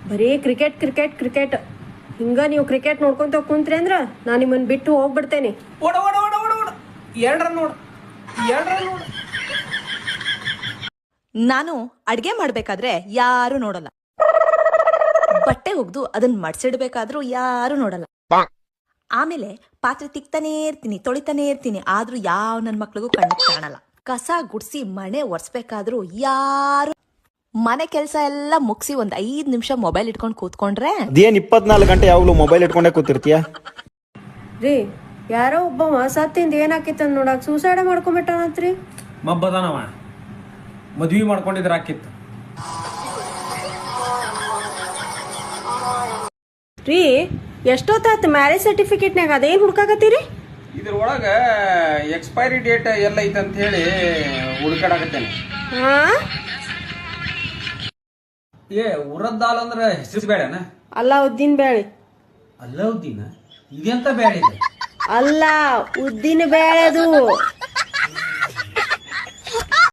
ಬರೀ cricket cricket cricket ಹಿಂಗ ನೀವು ಕ್ರಿಕೆಟ್ ನೋಡ್ಕೊಂತ ಕುಂತ್ರಿ ಅಂದ್ರ ನಾನು ನಿಮ್ಮನ್ನ ಬಿಟ್ಟು ಹೋಗ್ಬಿಡ್ತೇನೆ. ಓಡ ಓಡ ಓಡ ಓಡ ಓಡ 2 ರನ್ ನೋಡು 2 ರನ್ ನೋಡು. ನಾನು ಅಡ್ಗೆ ಮಾಡ್ಬೇಕಾದ್ರೆ ಯಾರು ನೋಡಲ್ಲ, ಬಟ್ಟೆ ಒಗ್ದು ಅದನ್ನ ಮಡ್ಸಿಡ್ಬೇಕಾದ್ರೂ ಯಾರು ನೋಡಲ್ಲ. ಆಮೇಲೆ ಪಾತ್ರೆ ತಿಕ್ತಾನೇ ಇರ್ತೀನಿ, ತೊಳಿತಾನೇ ಇರ್ತೀನಿ, ಆದ್ರೂ ಯಾವ ನನ್ ಮಕ್ಳಿಗೂ ಕಣ್ಣು ಕಾಣಲ್ಲ. ಕಸ ಗುಡ್ಸಿ ಮನೆ ಒರ್ಸ್ಬೇಕಾದ್ರೂ ಯಾರು. ಮನೆ ಕೆಲಸ ಎಲ್ಲ ಮುಗಿಸಿ ಒಂದ್ 5 ನಿಮಿಷ ಮೊಬೈಲ್ ಇಟ್ಕೊಂಡು ಕೂತ್ಕೊಂಡ್ರೆ ಅದೇನ್ 24 ಗಂಟೆ ಯಾವಾಗ್ಲೂ ಮೊಬೈಲ್ ಇಟ್ಕೊಂಡೇ ಕೂತಿರ್ತೀಯ? ರೀ ಯಾರೋ ಒಬ್ಬ ಸತ್ತಿಂದ ಏನಾಕಿತ್ತ ನೋಡಕ್ ಸೂಸೈಡ್ ಮಾಡ್ಕೊಂಬಿಟ್ಟಾನಂತ್ರಿ. ಮಬ್ಬದಾನವ ಮದ್ವಿ ಮಾಡ್ಕೊಂಡಿದ್ರ ಆಕಿತ್ತು. ರೀ ಎಷ್ಟೊತ್ತಾತ ಮ್ಯಾರೇಜ್ ಸರ್ಟಿಫಿಕೇಟ್ನಾಗ ಅದೇನ್ ಹುಡ್ಕಾಕತ್ತೀರಿ? ಇದ್ರೊಳಗ ಎಕ್ಸ್ಪೈರಿ ಡೇಟ್ ಎಲ್ಲ ಐತಂತ ಹೇಳಿ ಹುಡುಕಾಡಕತ್ತೇನೆ. ಹಾ ಏ ಉರದ್ ದಾಲ್ ಅಂದ್ರ ಹೆಸರು ಬೇಡನ? ಅಲ್ಲ ಉದ್ದಿನ ಬೇಳೆ. ಅಲ್ಲೌದ್ದೀನ ಇದೆಂತ ಬೇಡ ಇದೆ? ಅಲ್ಲ ಉದ್ದಿನ ಬೇಳೆದು.